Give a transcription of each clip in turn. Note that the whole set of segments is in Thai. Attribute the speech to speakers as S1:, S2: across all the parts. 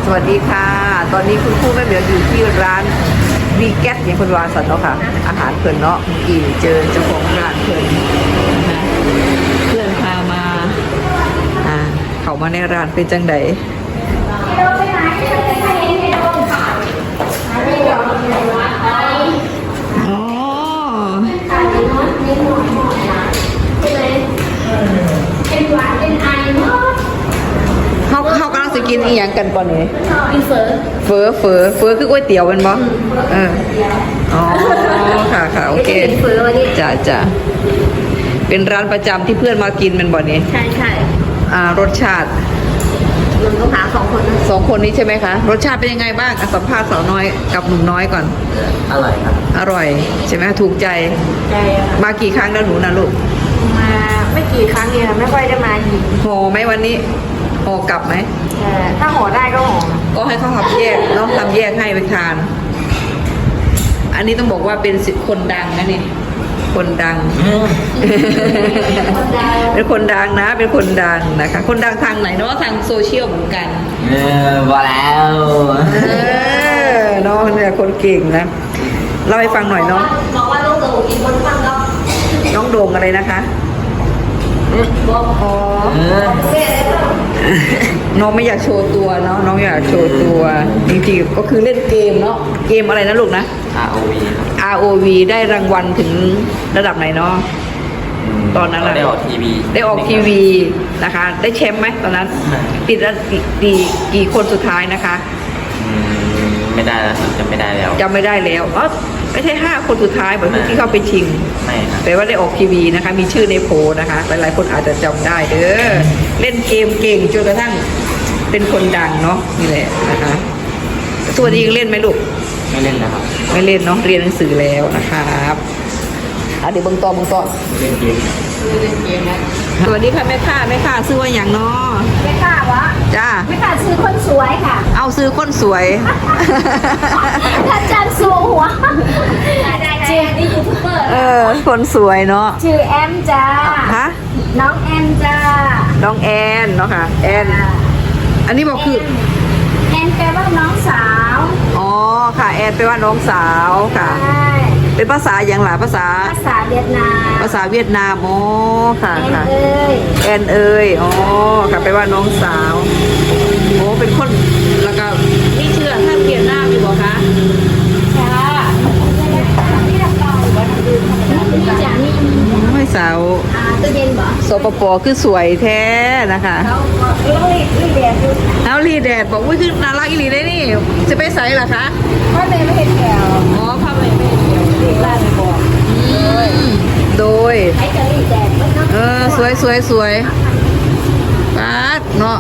S1: วัสดีค่ะตอนนี้คุณครูแม่เหมียวอยู่ที่ร้านวีแกตอย่างคุณวาสันเนาะค่ะอาหารเพิ่นเนาะกี่เจอเจ้าของร้านเพิ่นนะคะเพื่อนพามาเขามาในร้านเป็นจังไดอ๋อเขากำลังจะกินอีหยังกันป่ะนี่กินเฟอคือก๋วยเตี๋ยวเป็นบ่อ๋อค่ะโอเคเฟอวันนี้จ้ะเป็นร้านประจำที่เพื่อนมากินเป็นบ่นี่ใช่รสชาติมันต้องหาสองคนนี้ใช่ไหมคะรสชาติเป็นยังไงบ้างสัมภาษณ์สาวน้อยกับหนุ่มน้อยก่อน
S2: อร่อยครับ
S1: อร่อยใช่ไหมถูกใจมากี่ครั้งแล้วหนูนะลูก
S3: มาไม่กี่ครั้งเองไม่ค่อยได้มาอีก
S1: ห่อไหมวันนี้ห่อกลับไหม
S3: ถ้าห่อได้ก็ห่อ
S1: ก็ให้เขาทำแยกน้องทำแยกให้ไปทานอันนี้ต้องบอกว่าเป็นคนดังนะนี่คนดังเป็นคนดังนะเป็นคนดังนะคะคนดังทางไหนเนาะทางโซเชียลเหมือนกัน
S2: ว่าแล้ว
S1: น้องเนี่ยคนเก่งนะเล่าให้ฟังหน่อยเนาะ
S3: บอกว่าน้องโด่งอีกคนฟังแล้ว
S1: น้องโด่งอะไรนะคะอ๋อน้องไม่อยากโชว์ตัวเนาะน้องอยากโชว์ตัวจริงๆก็คือเล่นเกมเนาะเกมอะไรนะลูกนะ ROV ได้รางวัลถึงระดับไหนเนาะตอนนั้น
S2: ได้ออกที
S1: วีนะคะได้แชมป์ไหมตอนนั้นติดแล้วกี่คนสุดท้ายนะคะ
S2: ไม่ได้แล้วจำไม่ได้
S1: แล้วอ๋อไม่ใช่5คนสุดท้ายเหมือนที่เข้าไปชิง
S2: ไม่ครับ
S1: แต่ว่าได้ออกทีวีนะคะมีชื่อในโพลนะคะหลายๆคนอาจจะจำได้เด้อเล่นเกมเก่งจนกระทั่งเป็นคนดังเนาะนี่แหละนะคะตัวนี้ยังเล่นไหมลูก
S2: ไม่เล่นนะครับ
S1: ไม่เล่นเนาะเรียนหนังสือแล้วนะครับเดี๋ยวเบิ่งต่อ
S2: เล่นเกม
S1: นะสวัสดีค่ะแม่ค้าซื้อว่าอย่างเนาะ
S3: แม่ค้าวะ
S1: จ้า
S3: แม่ค้าซื้อคนสวยค่ะ
S1: เอาซื้อคนสวย
S3: ถ้าจันสูหัวเจนี่ยูทูบเบอร์
S1: คนสวยเนาะ
S3: ชื่อแอมจ้า
S1: ฮะ
S3: น้องแอมจ้า
S1: น้องแอนเนาะค่ะแอนอันนี้บอกคือ
S3: แอนแปลว่าน้องสาว
S1: อ๋อค่ะแอนแปลว่าน้องสาวค่ะเป็นภาษาอย่างหลายภาษา
S3: เวียดนาม
S1: อ๋อค่ะ
S3: แอน
S1: อ๋อค่ะแปลว่าน้องสาวโอ้เป็นคนแล้วก็นี่เชื่อท่านเวียดนามอยู่บ่คะไม่สาว
S3: ตัวเย็นบ่
S1: สปปคือสวยแท้นะคะแล้วรีแดดบอกว่าคือน่ารักอีหลีได้นี่จะไปใส่เหรอคะ
S3: พ่อแม่ไม่เห็นแถว
S1: อ๋อพ่อแม่ไม่เห็นแถวเด็กล่าเลยบอกโดย
S3: ใช้จะรีแดด
S1: สวยป๊าดเนาะ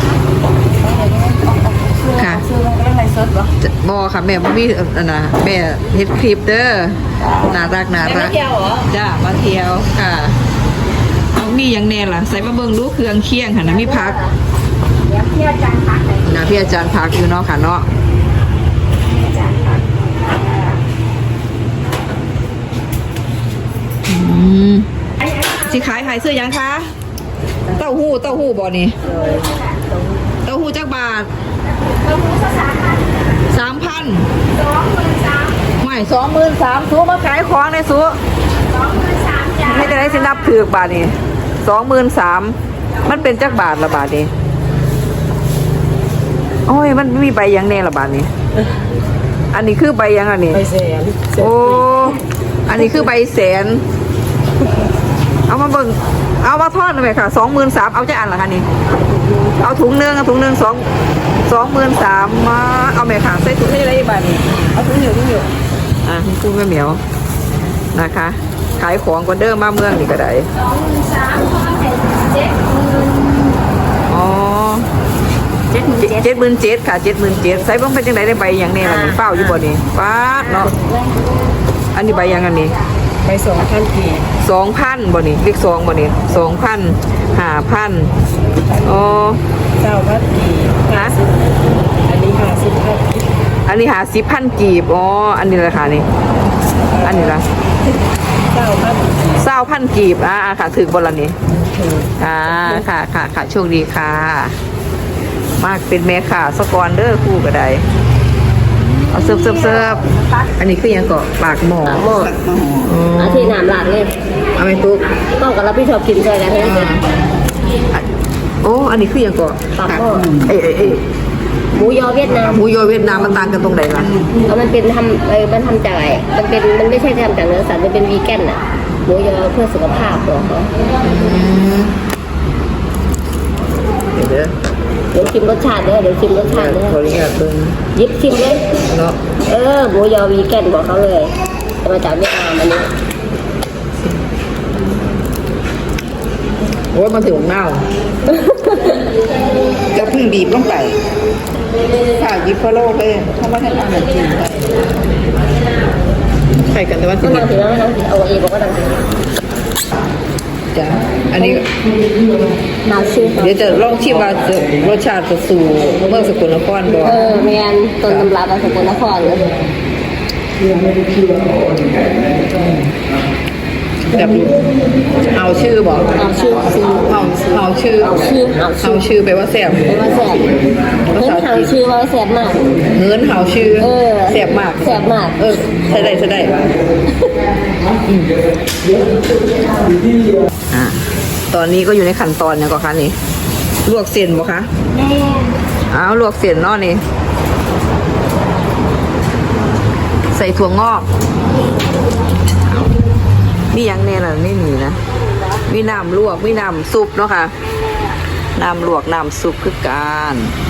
S1: ค่ะบอค่ะแม่มีนะแม่เฮ็ดคลิปเด้อน่ารัก
S3: มาเที่ยวเหรอ
S1: จ้ามาเที่ยวค่ะเอามีอย่างแน่ล่ะใส่มาเบิ่งดูเครื่องเคียงค่ะนะมีผัก
S3: พี่อาจารย์พัก
S1: นะพี่อาจารย์พักอยู่เนาะค่ะเนาะสิขายเสื้อยังคะเต้าหู้บ่นี่เต้าหู้จักบาท3,000ไม่23,000สู้มาขายของในสู้ไม่จะได้สินับถือบาทนี่23,000มันเป็นจักบาทละบาทนี่โอ้ยมันมีใบยังแน่ละบาทนี่อันนี้คือใบยังอันนี้
S2: ใบแสน
S1: โอ้อันนี้คือใบแสนเอามาเบิ่งเอามาทอดหน่อยค่ะ23,000เอาจะอันเหรอคะนี่เอาถุงนึง23,000มาเอาแม่ค่ะใส่ถุงให้ได้บ้านี่เอาถุงอยู่คุณแม่เหมียวนะคะขายของกว่าเดิมมาเมืองนี่ก็ได้อ๋อ77,000ค่ะ77,000ใส่บ้างเป็นจังไดได้ใบอย่างนี้ล่ะนี่เป้าอยู่บ่นี่ป๊าดเนาะอันนี้ใบยังอันนี้
S2: ไป2,000 กีบ
S1: 2,000บ่นี่เลข2บ่นี่2,000 5,000อ๋อ
S2: 9,000 กีบ
S1: นะ
S2: อันนี้50,000 กีบ
S1: อันนี้50,000 กีบอ๋ออันนี้ราคานี่อันนี้ล่ะ20,000 กีบค่ะถึงบ่ล่ะนี่ค่ะโชคดีค่ะมากเป็นแม่ค้าสกอนเด้อครู่ก็ได้เอาเสิร์ฟอันนี้คือหยังก็ปากหม้อ
S3: หมดอาทิตย์น้ำหลากเลย
S1: เอาไปตุ๊ก
S3: ต้องกับเราพี่ชอบกินใจกันให้เป็น
S1: โอ้อันนี้คือหยังก็
S3: ปากหม้อ
S1: เอ้ย
S3: หมูยอเวียดนาม
S1: หมูยอเวียดนามมันต่างกันตรงไหนล่ะ
S3: มันเป็นทำมันทำจากอะไรมันไม่ใช่ทำจากเนื้อสัตว์มันเป็นวีแกนอ่ะหมูยอเพื่อสุขภาพของเขา
S1: เดี๋ยวเด้อ
S3: เดี๋ยวชิมรสชาติเด้อเดี๋ยวชิมรสชาติเด้อ
S1: ขออนุญาตเบิ่ง
S3: ยิบชิมเลย
S1: เนาะ
S3: หมูยอวีแกนบอกเขาเลยมาจากเวียดนามอันนี้
S1: โอ้ยมันถึงเน่าจะพึ่งบีบลงไปค่ะยิบพะโล่ไปเพราะว่าท่านอาหารจีนใส่กันแต่ว่าสิ
S3: ก็นางถือแล้วไม่นางถือเอาเองบอกว่านางถือ
S1: จ้ะอันนี้
S3: นาชื่อ
S1: เดี๋ยวจะลองชิมว่าจะรสชาติจะสู่เมืองสกลนครบ่
S3: แมนต้นตำรับมาสกลนครเลย
S1: แบบเอาชื่อบอก
S3: เอาชื่อซื้อ
S1: เอาชื่อ
S3: เอาชื่อ
S1: ไปว่าแซ่บ
S3: เป็นว่าแสบเพิ่นเอาชื่อว่าแสบมาก
S1: เงินเฮาชื่อ
S3: แสบมาก
S1: ใช่ได้ตอนนี้ก็อยู่ในขั้นตอนเนี่ยก็คะนี่ลวกเส้นบ่คะ
S3: แม่
S1: อ้าวลวกเส้นเนาะนี่ใส่ถั่วงอกมีหยังแน่ล่ะไม่มีนะมีน้ำลวกมีน้ำซุปเนาะค่ะน้ำลวกน้ำซุปคือกัน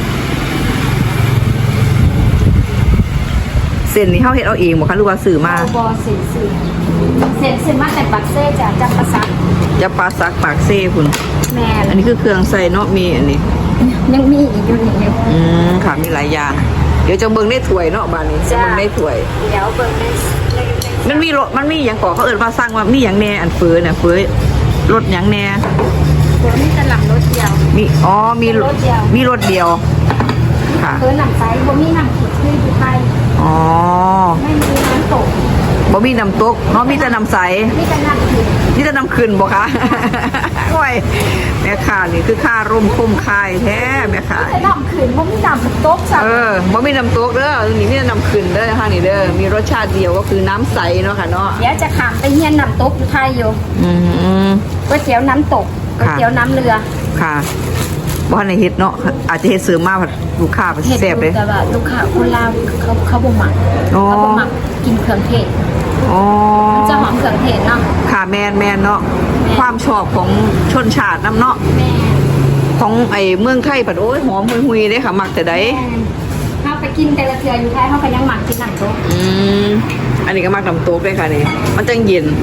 S1: เส้นนี้เฮาเฮ็ดเอาเองบ่คะหรือว่าซื้อมา
S3: บอเส้นมาแต่ปักเซ่จากจักรสัก
S1: จะปลาซักปากเซ่คุณ
S3: แม่
S1: อันนี้คือเครื่องใส่เนาะมีอันนี้
S3: ยังมีอีกอยู่นี่
S1: ค่ะมีหลายอย่างเดี๋ยวจะเบิ่งในถ้วยเนาะบ้านนี้จะเบิ่งในถ้วย
S3: เดี๋ยวเบิ่งได้
S1: มันมีหยังก่อเขาเอิ้นว่าสร้างว่ามีหยังแน่อันเฟ้อเนี่ยเฟ้อรสหยังแน่
S3: ตัวนี้จะหลังรถเดียว
S1: มีรสเดียวค่ะ
S3: คือหนังไซส์บ่มีหนังขีดที่อยู่ไทย
S1: อ๋อ
S3: ไม่มีน้ำตก
S1: บ่มีน้ำตกเนาะมีแต่น้ำใส
S3: นี่เป็นหนังขีด
S1: มีแต่น้ำขึ้นบ่คะ โอ้ยแม่ค้านี่คือค่าร่มคุ้มค่ายแท้แม่ค้า
S3: แต่น้ำขืนบ่มีน้ำตกจ้ะ
S1: บ่มีน้ำตกเด้อนี่มีแต่น้ำขึ้นเด้อค่ะนี่เด้อมีรสชาติเดียวก็คือน้ำใสเนาะค่ะเนาะ
S3: เดี๋ยวจะขามไปเฮียนน้ำตกอยู่ไทยอยู่
S1: อืม
S3: ก๋วยเตี๋ยวน้ำตกก๋วยเตี๋ยวน้ำเรือ
S1: ค่ะบ่ทันได้เฮ็ดเนาะอาจจะเฮ็ดเสริมมาผัดลูกค้าผัดแซ่บเลย
S3: แต่ว่าลูกค้าคนลาวเขาบ่มัก
S1: อ๋อ
S3: เขาบ่มักกินเครื่องเทศ
S1: อ๋อ
S3: มันจะหอมเครื่องเทศเนาะ
S1: ค่ะแม่นเนาะความชอบของชนชาตินำเนาะ
S3: แม่
S1: ของไอ้เมืองไทยผัดโอ้ยหอมหุยๆเด้ค่ะมักแต่ใด
S3: เขาไปกินแต่ละเทืออยู่ไทยเขาก็ยังหมักกินหนังโต๊ะ
S1: อันนี้ก็มักน้ำโต๊กด้วยค่ะนี่มันจังเย็น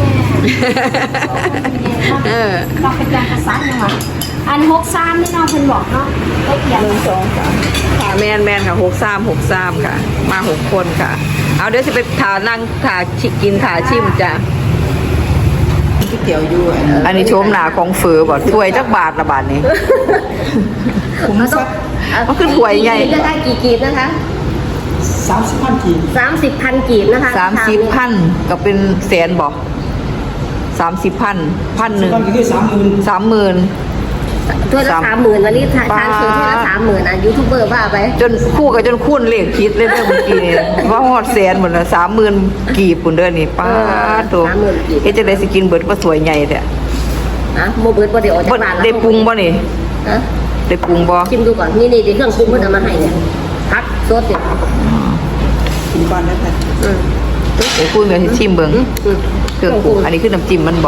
S3: เราเป็นการกระซันยังไงอัน63นี่น้องเพิ่นบอกเนาะก็เขียน
S1: ค่ะแม่นค่ะ63ค่ะ มา6คนค่ะ เอาเดี๋ยวสิไปถานั่งถากินถาชิมจ้ะ
S2: ก๋วยเตี๋ยวอยู่
S1: อันนี้โชมหนาของเฟอบ่ถ้วยจักบาทละบาทนี้
S2: คุ้มซัก
S1: มันคือถ้วยใหญ่
S3: ได้กี่กีบนะคะ
S2: 30,000 กีบ
S3: 30,000กีบนะคะ
S1: 30,000ก็เป็นแสนบ่30,000 1,000
S2: มันก็คือ30,000
S1: 30,000
S3: ถ้วยละ30,000วันนี้ทานคือถ้วยละ30,000อ่ะยูทูบเบอร์ว่าไป
S1: จนคู่กับจนคูณเลขคิดเลยเด้อเมื่อกี้นี่ว่าฮอดแสนหมดละ30,000กีบพุ่นเด้อนี่ป้าโตเฮ็ดจังได๋สิกินเบิดบ่สวยใหญ่แท้
S3: อ่ะโมเบิร์ตบ่ได้ออกจาก
S1: บ่
S3: บ้านแล้ว
S1: ได้ปรุงบ่นี่
S3: ฮะ
S1: ได้ปรุงบ่
S3: ชิมดูก่อนนี่เครื่องปรุงเพิ่นเอามาให้เนี่ยพักซดเนี่ย
S2: กินบ้านได้แท้
S1: เดี๋ยวคุยแม่สิชิมเบิ่งเครื่องปรุงอันนี้คือน้ำจิ้มมันบ่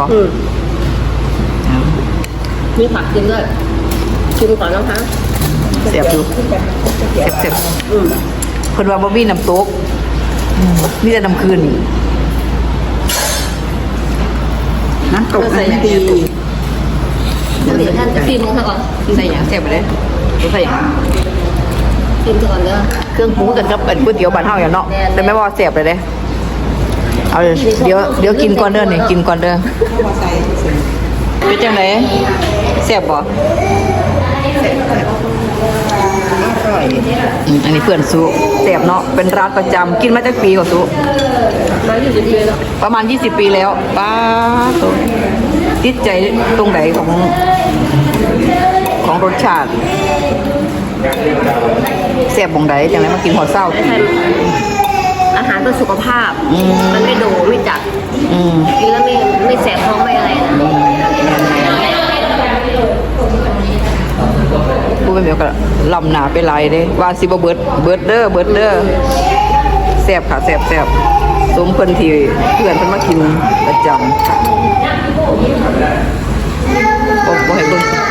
S3: มีผักกินด้วยชิมก่อนนะคะ
S1: แซ่บอยู่แซ่บๆเพิ่นว่าบ่มีน้ำตกมีแต่น้ำคืน
S2: น้ำตกน้ำตี
S3: เดี๋ยวท่านจะชิมซะก่อน
S1: ใส่หยังแซ่บไปเลยใส่หยัง
S3: ชิมซะก่อนเด้อ
S1: เครื่องปรุงกันกับเป็นก๋วยเตี๋ยวบ้านเฮาอย่างเนาะแต่แม่ว่าแซ่บเลยเด้เอาเดี๋ยวกินก่อนเด้อนี่กินก่อนเด้อ
S2: เข้ามาใส่
S1: เป็นจังไดแซ่บบ่
S2: อร่อย
S1: อันนี้เพื่อนสุแซ่บเนาะเป็นร้านประจำกินมาจากปีกว่าสุ
S3: มาอยู่ดีๆแล้ว
S1: ประมาณ20 ปีแล้วป้าสุติดใจตรงไหนของรสชาติแซ่บบ่งใดจังได๋มากินหอดเช้า
S3: ไม่ใช่อาหารเพื่อสุขภาพ มันไม่โดไม่จัด
S1: อืม
S3: กินแล้วไม่แสบท้องไม่อะไรนะ
S1: ผู้เป็นเมียก็ลำหนาไปหลายเด้ว่าสิบ่เบิดเด้อแซ่บค่ะแซ่บสมเพิ่นที่เพื่อนเพิ่นมากินประจำบ่ให้เบิ่ง